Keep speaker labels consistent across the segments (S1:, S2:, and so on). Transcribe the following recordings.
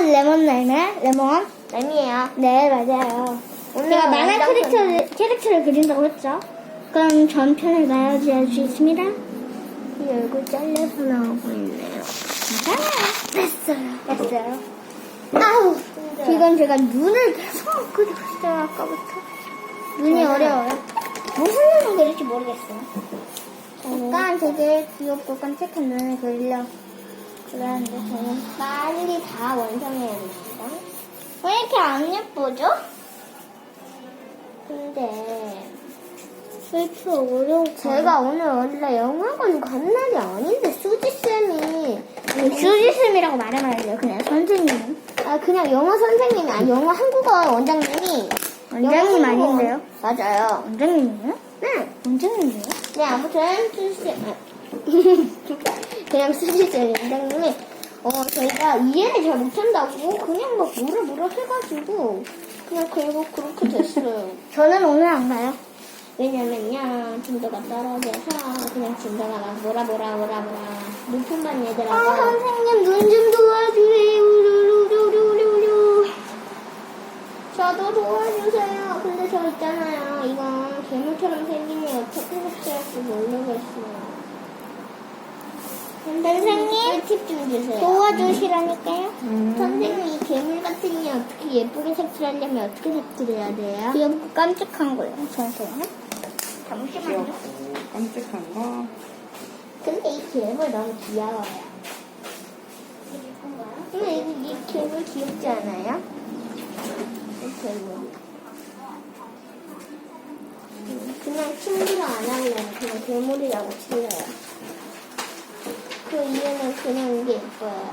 S1: 레몬 날매? 레몬?
S2: 램이에요.
S1: 네, 맞아요.
S2: 오늘
S1: 제가 만화
S2: 완전
S1: 캐릭터를 그린다고 했죠? 그럼 전편을 나열지 할 수 있습니다.
S2: 이 얼굴 잘려서 나오고 있네요.
S1: 됐어요. 아우, 지금 제가 눈을 계속 그리고 있어요, 아까부터. 눈이 어려워요. 무슨 눈을 그릴지 모르겠어요. 약간 되게 귀엽고 깜찍한 눈을 그리려고 그러는데 저는
S2: 빨리 다 완성해야 됩니다.
S1: 왜 이렇게 안 예쁘죠?
S2: 근데
S1: 왜 이렇게 어려울까?
S2: 제가 오늘 원래 영화관 간 날이 아닌데 수지쌤이
S1: 수지쌤이라고 말하면 안 돼요. 그냥 선생님.
S2: 그냥 영어 선생님이 아니 영어 한국어 원장님이
S1: 원장님
S2: 영어 한국어
S1: 아닌데요?
S2: 맞아요.
S1: 원장님이요?
S2: 네.
S1: 원장님이요?
S2: 네 아무튼 수지쌤 그냥 수지쌤 원장님이 저희가 이해를 잘 못한다고 그냥 막 뭐라 해가지고 그냥 결국 그렇게 됐어요.
S1: 저는 오늘 안 가요.
S2: 왜냐면요 진도가 떨어져서 그냥 진도가 막 뭐라 높은 반 얘들하고
S1: 아, 선생님 눈 좀 도와주세요. 루루루루루루.
S2: 저도 도와주세요. 근데 저 있잖아요. 이거 괴물처럼 생긴 애 어떻게 삭제할지 모르겠어요.
S1: 선생님
S2: 팁 좀 주세요.
S1: 도와주시라니까요.
S2: 선생님 이 괴물 같은 애 어떻게 예쁘게 색칠하려면 어떻게 색칠해야 돼요?
S1: 귀엽고 깜찍한 거예요, 선생님. 잠시만요.
S3: 귀엽고 깜찍한 거.
S2: 근데 이 괴물 너무 귀여워요. 근데 이 괴물 귀엽지 않아요? 이 괴물. 그냥 친구를 안 할래요. 그냥 괴물이라고 칠래요. 그 이유는 그냥 이게 예뻐요.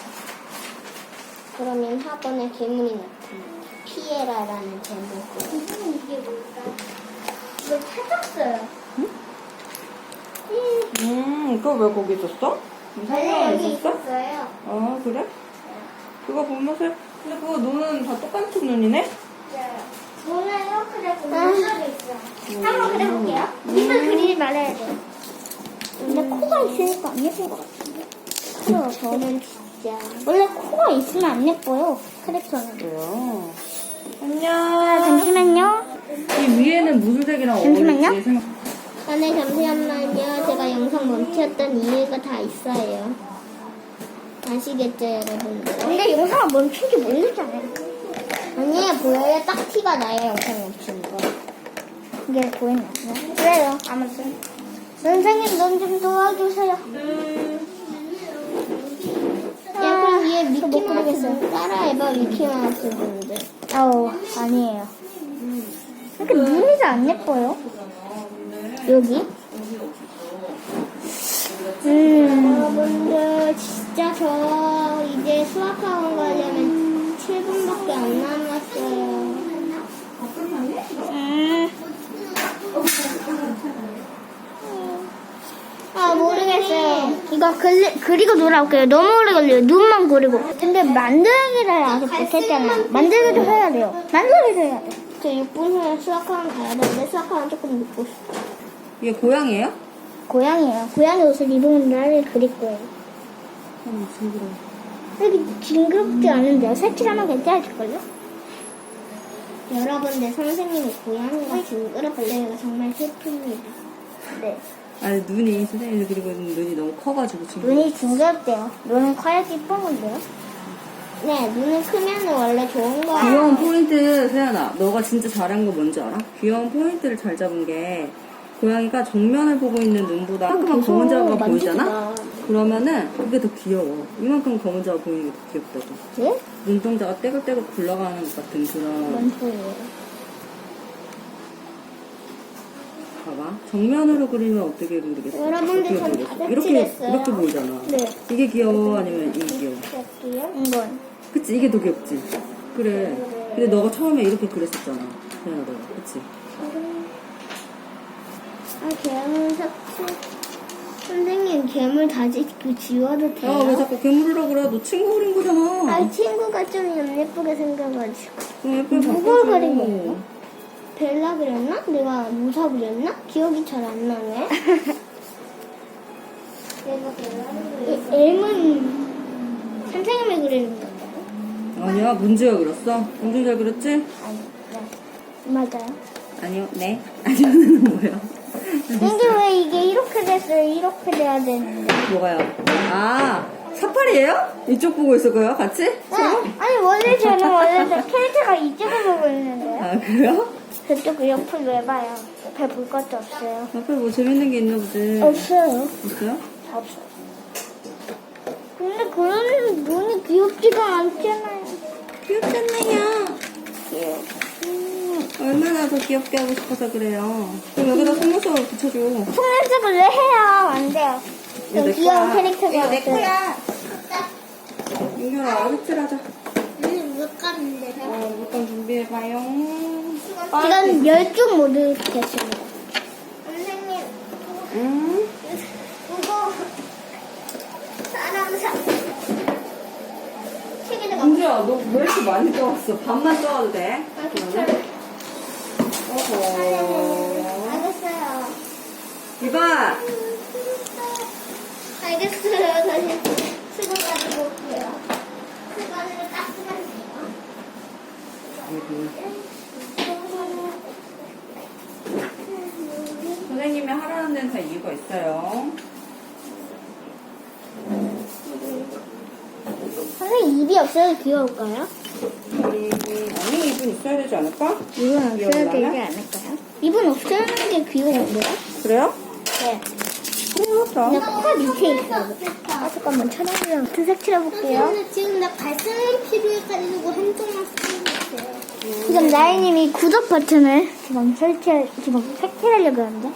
S2: 그러면 학원에 괴물이 나타납니다. 피에라라는 제목으로.
S1: 선생님 이게 뭘까요? 이걸 찾았어요.
S3: 그거 왜 거기 있었어? 설명
S1: 여기
S3: 있었어?
S1: 있었어요.
S3: 어, 그래? 그거 보면서, 근데 그거 눈은 다 똑같은 눈이네?
S1: 저는 이렇게 되고 눈썹이 있어요. 한번 그려볼게요. 입을 그리지 말아야 돼요. 근데 코가 있으니까 안 예쁜 것 같은데.
S2: 그럼 저는 진짜.
S1: 원래 코가 있으면 안 예뻐요, 캐릭터는.
S3: 그래요.
S1: 아,
S3: 안녕.
S1: 잠시만요.
S3: 이 위에는 무슨 색이랑
S1: 잠시만요.
S3: 어울릴지 생각.
S2: 네, 잠시만요. 제가 영상 멈췄던 이유가 다 있어요. 아시겠죠, 여러분들?
S1: 근데 영상을 멈춘지 모르잖아요.
S2: 아니에요, 보여요? 딱 티가 나요, 영상 멈춘 거.
S1: 이게 보이나요? 그래요, 아무튼. 선생님, 눈 좀 도와주세요.
S2: 야, 그럼 얘
S1: 못
S2: 미키마우스
S1: 그리겠어요.
S2: 따라해봐, 미키마우스 분들.
S1: 아우, 아니에요. 이렇게 눈이 잘 안 예뻐요. 여기?
S2: 여러분들, 진짜 저 이제 수학학원 가려면 7분밖에 안 남았어요.
S1: 모르겠어요. 이거 그리고 놀아올게요. 너무 오래 걸려요. 눈만 그리고. 근데 만들기를 아직 못했잖아요. 만들기도 해야 돼요. 만들기도 해야 돼요.
S2: 저 6분 후에 수학학원 가야 되는데 수학학원 조금 늦고 싶어요.
S3: 이게 고양이에요?
S1: 고양이에요. 고양이 옷을 입은 날을 그릴 거예요.
S3: 징그러워.
S1: 여기 징그럽지 않은데요. 색칠하면 괜찮을걸요?
S2: 여러분들, 선생님이 고양이가 징그럽대요. 정말 슬픕니다.
S1: 네.
S3: 아니, 눈이, 선생님이 그리고 있는 눈이 너무 커가지고 징그러워.
S1: 눈이 징그럽대요. 눈은 커야지 이쁜 건데요.
S2: 네, 눈을 크면 원래 좋은 거야.
S3: 귀여운 포인트, 세연아. 너가 진짜 잘한 거 뭔지 알아? 귀여운 포인트를 잘 잡은 게 고양이가 정면을 보고 있는 눈보다 조그만 검은 자가 보이잖아? 그러면은 그게 더 귀여워. 이만큼 검은 자가 보이는 게 더 귀엽다고.
S1: 네?
S3: 눈동자가 떼글떼글 굴러가는 것 같은 그런.
S1: 뭔 소리예요?
S3: 봐봐. 정면으로 그리면 어떻게 그리겠어?
S2: 여러분들,
S3: 어떻게
S2: 전
S3: 그리겠어?
S2: 다
S3: 이렇게
S2: 색칠했어요.
S3: 이렇게 보이잖아.
S1: 네.
S3: 이게 귀여워 아니면 이게 귀여워?
S2: 할게요.
S1: 이건.
S3: 그치, 이게 더 귀엽지. 그래. 근데 너가 처음에 이렇게 그랬었잖아. 세연아, 너가. 그치?
S2: 괴물 삭제. 선생님, 괴물 다 지워도 돼요?
S3: 야, 왜 자꾸 괴물이라고 그래? 너 친구 그린 거잖아.
S2: 친구가 좀 예쁘게 생겨가지고.
S3: 그럼 예쁘게
S1: 누굴
S3: 바꿔줘.
S1: 그린 거예요?
S2: 벨라 그렸나? 내가 무사 그렸나? 기억이 잘 안 나네. 내가 벨라를 그렸어.
S1: M은 선생님이 그리는 건가요?
S3: 아니야, 문제가 그렸어? 엄청 잘 그렸지?
S1: 아니, 네. 맞아요.
S3: 아니요, 네. 아니요는 뭐예요?
S1: 근데 왜 이게 이렇게 됐어요? 이렇게 돼야 되는데.
S3: 뭐가요? 아, 사파리예요? 이쪽 보고 있을 거예요, 같이? 서로?
S1: 아니, 원래 저는 캐릭터가 이쪽을 보고 있는데요.
S3: 아, 그래요?
S1: 저쪽 옆을 왜 봐요? 옆에 볼 것도 없어요.
S3: 앞에 뭐 재밌는 게 있나 보지.
S1: 없어요.
S3: 없어요?
S1: 없어요. 근데 그런 눈이 귀엽지가 않잖아요.
S3: 귀엽잖아요.
S1: 귀여워.
S3: 얼마나 더 귀엽게 하고 싶어서 그래요. 그럼 여기다 속눈썹을 붙여줘.
S1: 속눈썹을 왜 해요? 안 돼요.
S3: 이거
S1: 좀
S3: 내
S1: 귀여운
S3: 거야.
S1: 캐릭터가
S3: 이거 내
S1: 없어요.
S3: 거야. 민규라, 색칠하자.
S1: 물감인데.
S3: 물감 준비해봐요.
S1: 지금 10쪽 모두 됐습니다. 선생님,
S3: 응?
S1: 이거 사람사. 책에다가
S3: 민규야, 너 왜 이렇게 많이 떠왔어? 반만 떠와도 돼? 그러면? 어허.
S1: 알겠어요.
S3: 이봐!
S1: 알겠어요. 다시 수건 가지고 올게요. 수건으로 닦으면
S3: 선생님이 하라는 데는 다 이유가 있어요.
S1: 선생님 입이 없어도 귀여울까요?
S3: 아니, 입은 있어야 되지 않을까?
S1: 입은 없어야
S3: 귀여우려나?
S1: 되지 않을까요? 입은 없어야 하는 게 귀여운데요?
S3: 그래요?
S1: 네.
S3: 그래요, 자.
S1: 그냥 코가 밑에 있어요. 아, 잠깐만, 촬영이랑 색칠해볼게요.
S2: 지금 나 발색이 필요해가지고 한쪽만 쓰고 있어요.
S1: 지금 나이님이 구독 버튼을 지금 색칠하려고 하는데.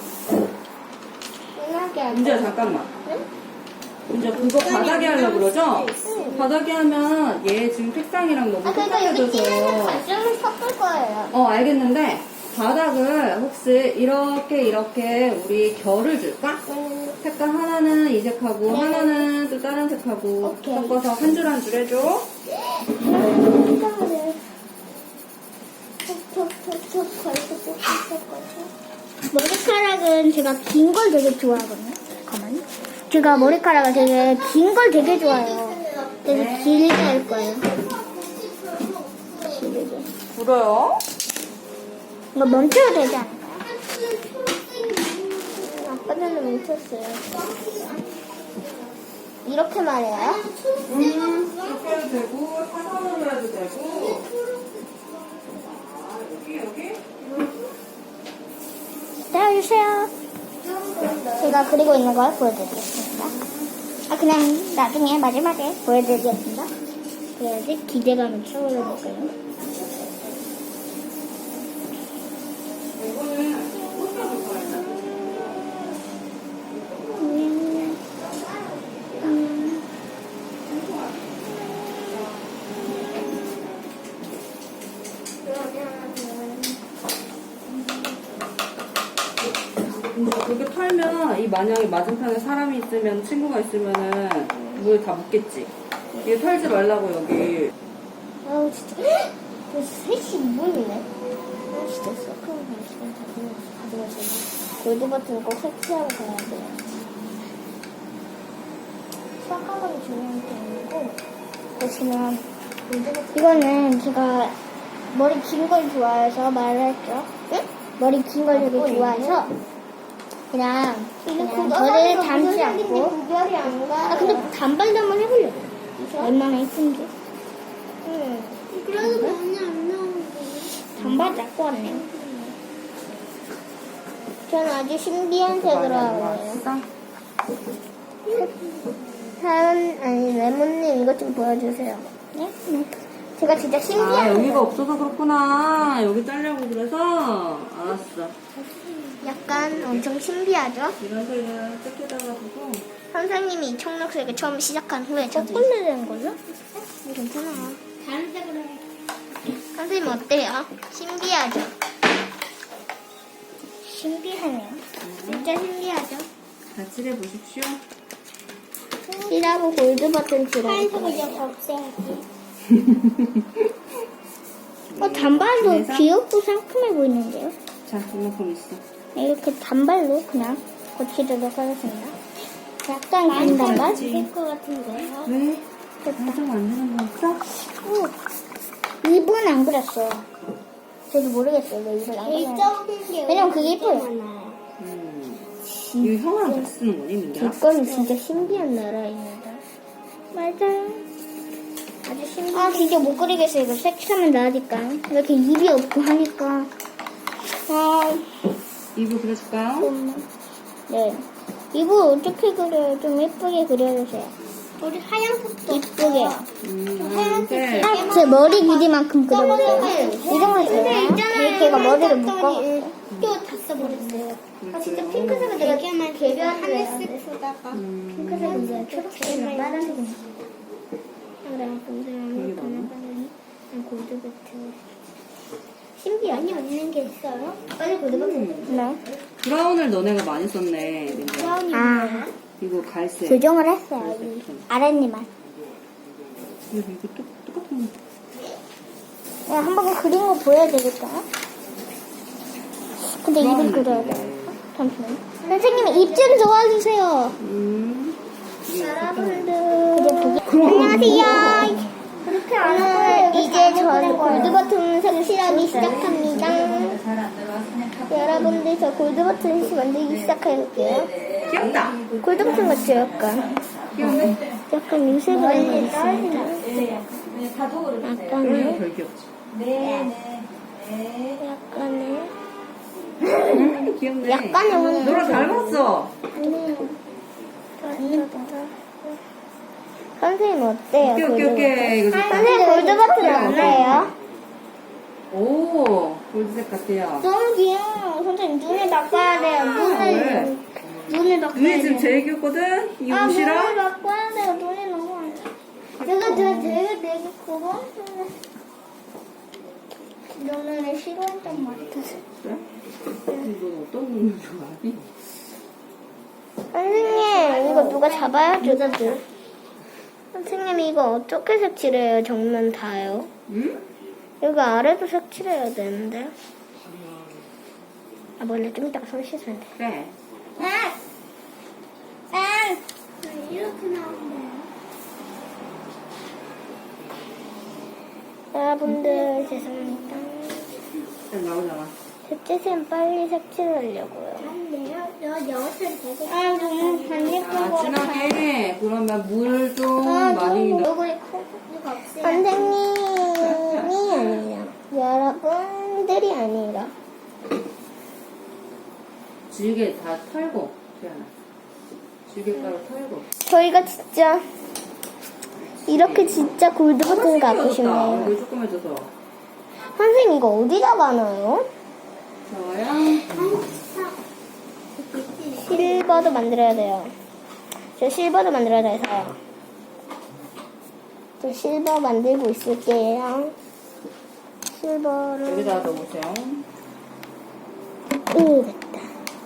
S3: 민지야, 잠깐만. 민지야, 그거 바닥에 하려고 그러죠? 바닥에 하면 얘 지금 색상이랑 너무
S1: 그러니까 여기 찌면서
S3: 똑같아져서.
S1: 발색을 섞을 거예요.
S3: 알겠는데, 바닥을 혹시 이렇게 우리 결을 줄까? 색깔 하나는 이 색하고, 하나는 또 다른 색하고
S1: 오케이.
S3: 섞어서 한 줄 한 줄 해줘.
S1: 색깔을 톡톡톡톡 걸고 섞어서. 머리카락은 제가 긴 걸 되게 좋아하거든요. 잠깐만요. 제가 머리카락을 되게 긴 걸 되게 좋아해요. 그래서 길게 할 거예요. 길게.
S3: 불어요?
S1: 이거 멈춰도 되지 않을까요? 아까 전에 멈췄어요. 이렇게 말해요?
S3: 이렇게 해도 되고, 사선으로 해도 되고. 여기?
S1: 기다려주세요. 제가 그리고 있는 걸 보여드리겠습니다. 그냥 나중에 마지막에 보여드리겠습니다. 그래야지 기대감을 채워볼까요?
S3: 그렇게 털면 이 만약에 맞은편에 사람이 있으면 친구가 있으면은 물 다 묻겠지. 이거 털지 말라고 여기.
S1: 아우 진짜 벌써 3시 2분이네. 아 진짜 서클 시간 다 가져가서 골드 버튼 꼭 설치하고 가야 돼요. 수학학원이 중요한 게 아니고 보시면 이거는 제가 머리 긴 걸 좋아해서 말을 했죠. 응? 머리 긴 걸 되게 좋아해서 그냥 머리를 담지 않고 근데 단발도 한번 해보려고. 얼마나 예쁜지.
S2: 그래도 많이 안 나오는데.
S1: 단발 잡고 왔네요. 저는 아주 신비한 색으로 하고 있어요. 레몬님 이것 좀 보여주세요. 네? 네. 제가 진짜 신기한
S3: 여기가 없어서 그렇구나. 여기 짜려고 그래서. 알았어.
S1: 약간 엄청 신비하죠?
S3: 이런 색을 뜯기다가 두고.
S1: 선생님이 이 청록색을 처음 시작한 후에 저도 꼴레된 걸로? 괜찮아요.
S2: 다른 색으로 해.
S1: 선생님 어때요? 신기하죠? 신기하네요. 진짜 신기하죠?
S3: 같이 해보십시오.
S1: C라고 골드 버튼 들어올
S2: 하얀색을
S1: 거예요.
S2: 이제 없애야지.
S1: 단발도
S3: 그래서?
S1: 귀엽고 상큼해 보이는데요?
S3: 자, 이만큼 있어.
S1: 이렇게 단발로 그냥 고치도록 하겠습니다. 약간 긴 단발?
S2: 될것 같은데요?
S3: 왜? 완성 안 되는 거 없어?
S1: 오, 이번엔 안 그렸어요. 저도 모르겠어요. 왜 이걸 안 그렸어요. 왜냐면 그게 예뻐요.
S3: 이거 형아랑 같이 쓰는 거니, 민기야?
S2: 뒷건이 진짜 신비한 나라입니다. 맞아요. 아주 신비한.
S1: 아, 진짜 못 그리겠어요. 이거 색칠하면 나으니까. 이렇게 입이 없고 하니까.
S3: 이거 그려줄까요?
S1: 네. 이거 어떻게 그려요? 좀 예쁘게 그려주세요.
S2: 우리 하얀색도
S1: 예쁘게.
S3: 네.
S1: 제 머리 길이만큼 그려주세요. 이 정도 돼요? 걔가 머리를 묶어.
S2: 또다 써버렸어요.
S1: 아, 진짜 핑크색을 내가
S2: 개별 하늘색 쓰다가
S1: 핑크색은 내가 초록색이랑 빨간색은
S3: 되게 많아.
S1: 골드베트.
S2: 신비한이 없는 게 있어요?
S1: 빨리 골드베트. 네.
S3: 브라운을 너네가 많이 썼네, 민기야.
S1: 아,
S3: 이거 갈색.
S1: 교정을 했어요. 이 아랫니만.
S3: 이거 똑같은 거.
S1: 야, 한번 그린 거 보여야 되겠다. 근데 입을 그려야 돼. 잠시만요. 선생님, 입 좀 도와주세요.
S3: 여러분들.
S1: 안녕하세요. 오늘 이제 전 골드버튼 색칠하기 시작합니다. 여러분들, 저 골드버튼 만들기 시작해볼게요.
S3: 귀엽다.
S1: 골드버튼 같죠, 약간.
S3: 귀엽네.
S1: 약간 유색을 했습니다. 약간의,
S3: 별 귀엽지.
S1: 약간의,
S3: 귀엽네.
S1: 약간의
S3: 너랑 닮았어.
S1: 선생님 어때요?
S3: 오케이. 이거 좋다.
S1: 선생님 골드버튼 어때요?
S3: 오, 골드색 같아요.
S1: 너무 귀여워. 선생님 눈을 닦아야 돼요.
S3: 왜?
S1: 눈을 닦아야
S3: 눈이 지금
S1: 돼요.
S3: 제일 귀엽거든? 이
S1: 눈을
S3: 옷이랑?
S1: 닦아야 돼요. 눈이 너무 안 돼. 내가 되게 그거? 눈을 싫어한단 말이야.
S3: 그래? 너 어떤 눈을 좋아하니?
S1: 선생님 이거 누가 잡아야죠. 선생님 이거 어떻게 색칠해요? 정면 다요?
S3: 응?
S1: 여기 아래도 색칠해야 되는데. 아 원래 좀 이따가 손 씻으면 돼.
S3: 그래.
S2: 이렇게 나오는데.
S1: 여러분들 죄송합니다.
S3: 일단 나오잖아.
S1: 셋째는 빨리 색칠하려고요.
S2: 내가 여옷을 되게
S1: 너무 안 예쁜
S3: 아, 진하게. 그러면 물 좀
S1: 아,
S3: 많이 넣어.
S1: 얼굴이 커.
S2: 이거 없어요.
S1: 선생님이 아니라 여러분들이 아니라
S3: 질게 다 털고, 태연아. 질게가루 털고.
S1: 저희가 진짜 이렇게 진짜 골드버튼 갖고 싶네요.
S3: 얼굴 조그매져서.
S1: 선생님 이거 어디다가 놔요?
S3: 저요?
S1: 실버도 만들어야 돼요. 저 실버도 만들어야 돼서 저 실버 만들고 있을게요. 실버를
S3: 여기다 넣어보세요.
S1: 됐다.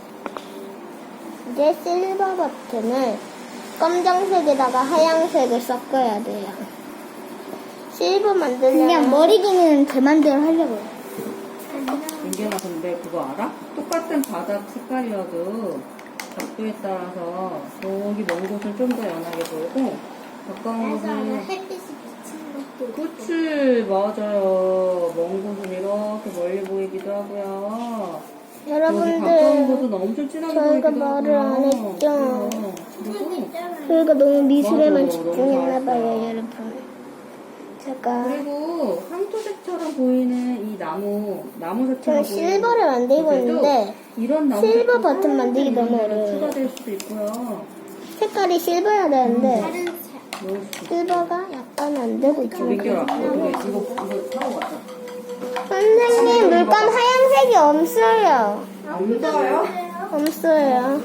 S1: 이제 실버 버튼을 검정색에다가 하얀색을 섞어야 돼요. 실버 만들려면 그냥 머리 기는 제 맘대로 하려고요.
S3: 민기야, 근데 그거 알아? 똑같은 바닥 색깔이어도 각도에 따라서 저기 먼 곳은 좀 더 연하게 보이고 가까운 곳은
S2: 햇빛이 비치는 것도
S3: 그치, 맞아요. 먼 곳은 이렇게 멀리 보이기도 하고요. 여기 가까운
S1: 여러분들
S3: 곳은 엄청 진하게
S1: 저희가
S3: 보이기도
S1: 말을 안
S3: 하고요.
S1: 했죠.
S3: 그리고
S1: 저희가 너무 미술에만
S3: 맞아,
S1: 집중했나봐요,
S3: 너무
S1: 여러분. 제가
S3: 그리고 황토색처럼 보이는 이 나무색처럼
S1: 저는 실버를 만들고
S3: 그래도
S1: 있는데
S3: 이런 나무
S1: 실버 버튼 만들기 너무 어려워요.
S3: 추가될 수도 있고요.
S1: 색깔이 실버야 되는데
S2: 다른 색.
S3: 넣을 수도 있고.
S1: 실버가 약간 안 되고 있죠.
S3: 민기야, 이거 사고 가자.
S1: 선생님 물감 하얀색이 없어요.
S3: 없어요?
S1: 없어요.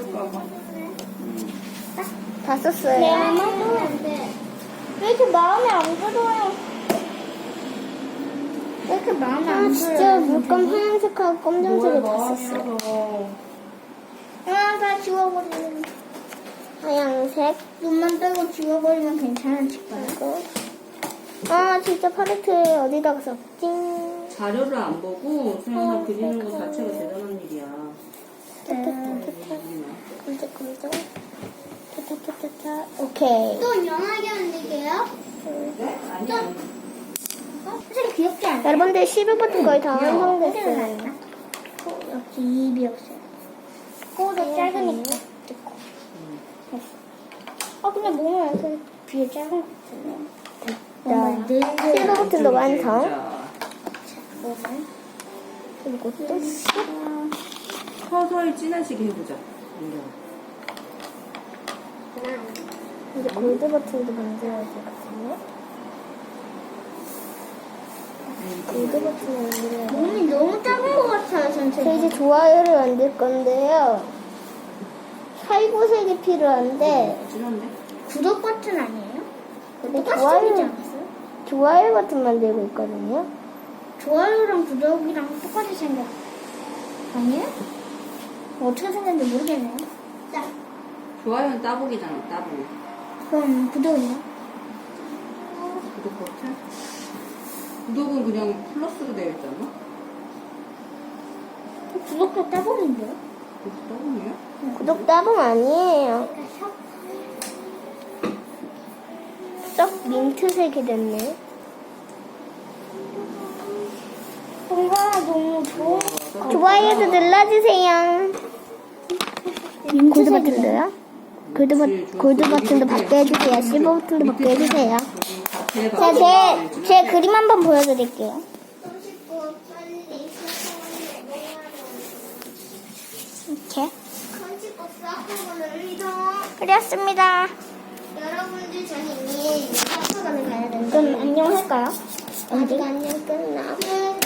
S1: 다 썼어요. 왜 이렇게 마음에 안 들어요? 왜 이렇게 마음에 안 들어요? 진짜 물감 하얀색하고 검정색을 다 썼어요. 다 지워버리면 하얀색 눈만 빼고 지워버리면 괜찮아질까요? 진짜 팔레트에 어디다가 썼지?
S3: 자료를 안 보고 수영아 그리는 것 자체가 대단한 일이야.
S1: 깜짝깜짝. 타타타타타. 오케이.
S2: 또 연하게 만들게요.
S3: 네? 아니야.
S1: 선생님 귀엽지 않아요?
S2: 여러분들 실버 버튼 거의 다
S1: 선생님
S2: 완성됐어요.
S1: 나왔나? 여기 입이 없어요. 코도 짧으니까 듣고. 근데 몸은 이렇게 귀에 짧은 것 같은데.
S2: 실버 버튼도 완성.
S3: 자,
S1: 몸은.
S2: 그리고 또
S3: 서서히 진해지게 해보자. 민경아.
S2: 이제 골드 버튼도 만들어야 되거든요. 골드 버튼을 만들어야 돼요.
S1: 몸이 너무 작은 것 같아요,
S2: 저
S1: 선생님.
S2: 이제 좋아요를 만들 건데요. 살구색이 필요한데
S3: 진한데?
S1: 구독 버튼 아니에요?
S2: 근데
S1: 똑같이
S2: 좋아요-
S1: 생기지 않았어요?
S2: 좋아요 버튼 만들고 있거든요.
S1: 좋아요랑 구독이랑 똑같이 생겼. 아니에요? 어떻게 생겼는지 모르겠네요. 자,
S3: 좋아요는 따봉이잖아, 따봉.
S1: 그럼 구독이요?
S3: 구독 버튼? 구독은 그냥 플러스로 되어 있잖아?
S1: 구독도 따봉인데요?
S3: 그것도 따봉이야?
S2: 구독 따봉 아니에요. 썩 민트색이 됐네.
S1: 뭔가 너무 좋은
S2: 좋아요도 눌러주세요. 골드 버튼도요? 골드 버튼도 받게 해주세요. 실버 버튼도 받게 해주세요. 자, 제 그림 한번 보여드릴게요. 이렇게 그렸습니다.
S1: 여러분들 저는 이미 학교관을 가야 되는데
S2: 그럼 안녕할까요?
S1: 아직 안녕 끝나.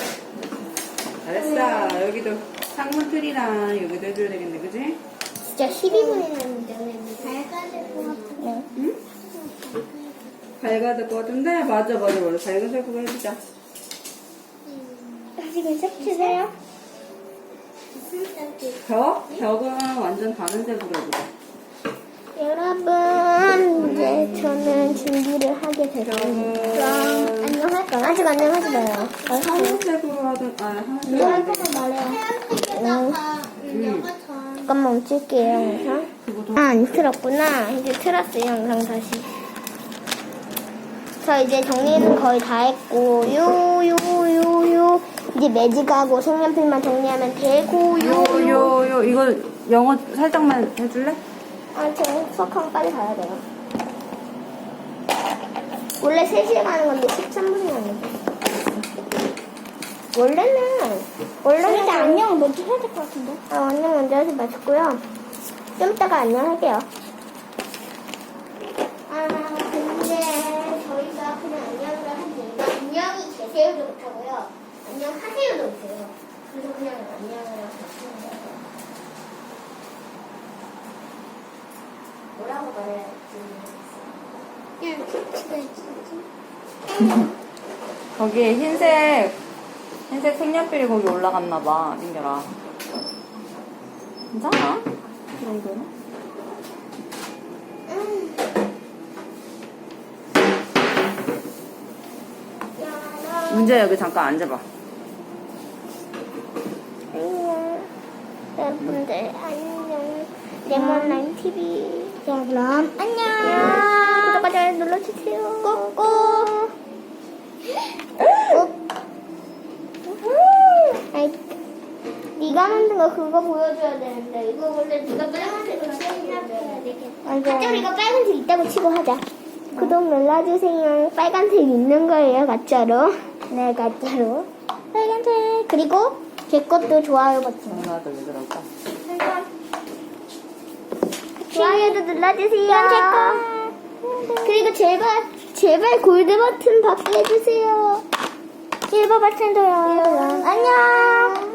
S3: 잘했어. 여기도 창문 틀이랑 여기도 해줘야 되겠네, 그지?
S2: 진짜 12분이나
S1: 밝아질 것 같은데.
S3: 응? 밝아질 것 같은데? 맞아. 밝은 색으로 해주자.
S2: 지금 색칠해요?
S3: 벽은 완전 다른 색으로 해보자.
S2: 여러분, 이제 저는 준비를 하게 됐습니다.
S3: 벽은
S2: 안녕할까요? 아직 안녕하지 마요.
S3: 하얀색으로 하든, 하얀색.
S2: 이거 할 거면 말해요. 잠깐만 멈출게요, 영상. 안 틀었구나. 이제 틀었어요, 영상 다시. 저 이제 정리는 거의 다 했고, 이제 매직하고 색연필만 정리하면 되고,
S3: 이거 영어 살짝만 해줄래?
S2: 저 수학하면 빨리 가야 돼요. 원래 3시에 가는 건데 13분이 걸리죠. 원래는
S1: 일단 안녕 먼저 해야 될 것 같은데.
S2: 안녕 먼저 하지 마시고요. 좀 이따가 안녕 할게요. 근데 저희가 그냥 안녕을 하지. 안녕히 계세요도 못하고요. 안녕하세요도 못해요. 그래서 그냥 안녕을 하시는 거예요. 뭐라고 말해야 할지 모르겠어요.
S3: 거기에 흰색 색연필이 거기 올라갔나봐, 민결아. 괜찮아? 이 정도는? 문제야, 여기 잠깐 앉아봐.
S2: 안녕. 여러분들 안녕. 레몬라인 TV. 자, 그럼 안녕. 구독과 좋아요 눌러주세요. 꾹꾹. 아이, 네가 만든 거 그거 보여줘야 되는데 이거 원래 네가 빨간색으로 해야 되겠다. 가짜 우리가 빨간색 있다고 치고 하자. 구독 눌러주세요. 빨간색 있는 거예요, 가짜로. 네, 가짜로. 빨간색. 그리고 제 것도 좋아요 버튼.
S3: 나도 왜 그럴까?
S2: 좋아요도 눌러주세요. 그리고 제발 골드 버튼 받게 해주세요. 실버 버튼도요. 안녕.